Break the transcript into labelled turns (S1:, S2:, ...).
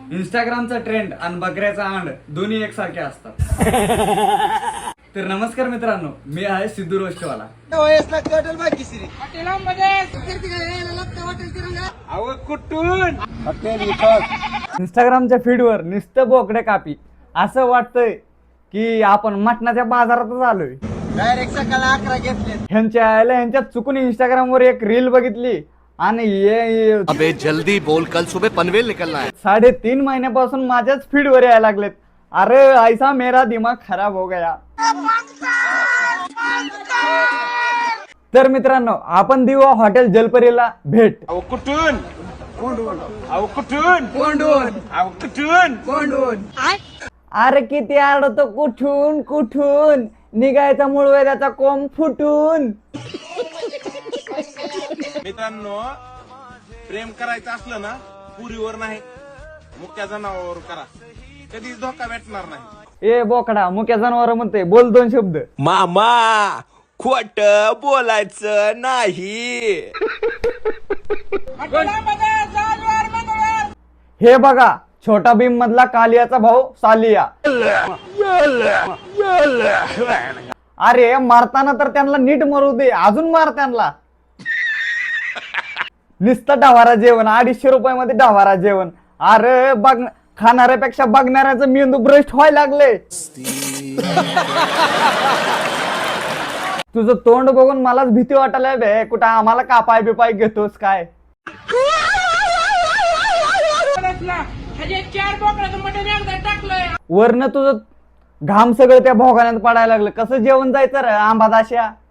S1: इंस्टाग्रामचा trend आणि बकऱ्याचा अंड दोन्ही एकसारखे असतात. तर नमस्कार मित्रांनो, मी आहे सिद्धू रोष्टवाला. इंस्टाग्रामच्या फीडवर नुसतं बोकडे कापी असं वाटतंय की आपण मटणाच्या बाजारातच आलोय.
S2: डायरेक्ट सकाळी 11 घेतले.
S1: ह्यांच्यात चुकून इंस्टाग्रामवर एक रील बघितली आणि
S3: अबे जल्दी बोल, कल सुबह पनवेल निकलना है.
S1: 3.5 महिन्यापासून माझ्याच फीडवर यायला लागलेत. अरे ऐसा मेरा दिमाग खराब हो गया. तर मित्रांनो, आपण देऊ हॉटेल जलपरीला भेट. अरे किती आडतो कुठून कुठून निघायचा मूळ वेदाचा कोंब फुटून.
S4: मित्रांनो, प्रेम करायचं असलं ना पुरीवर नाही मुक्या जनावरावर करा, कधीच धोका भेटणार नाही.
S1: ए बोकडा, मुक्या जनावर म्हणते, बोल 2 शब्द.
S2: मामा खोट बोलायचं नाही.
S1: हे बघा, छोटा भीम मधला कालियाचा भाऊ सालिया. अरे मारताना तर त्यांना नीट मरू दे, अजून मार त्यांना. नुसतं डवारा जेवण, 250 रुपयामध्ये डवारा जेवण. अरे बघ, खाणाऱ्यापेक्षा बघणाऱ्याचं मेंदू भ्रष्ट व्हायला लागले. तुझं तोंड बघून मलाच भीती वाटायला बे. कुठं आम्हाला कापाय बिपाय घेतोस काय? वरनं तुझं घाम सगळं त्या भोगाण्यात पडायला लागलं. कसं जेवण जायचं रे आंबादाश्या.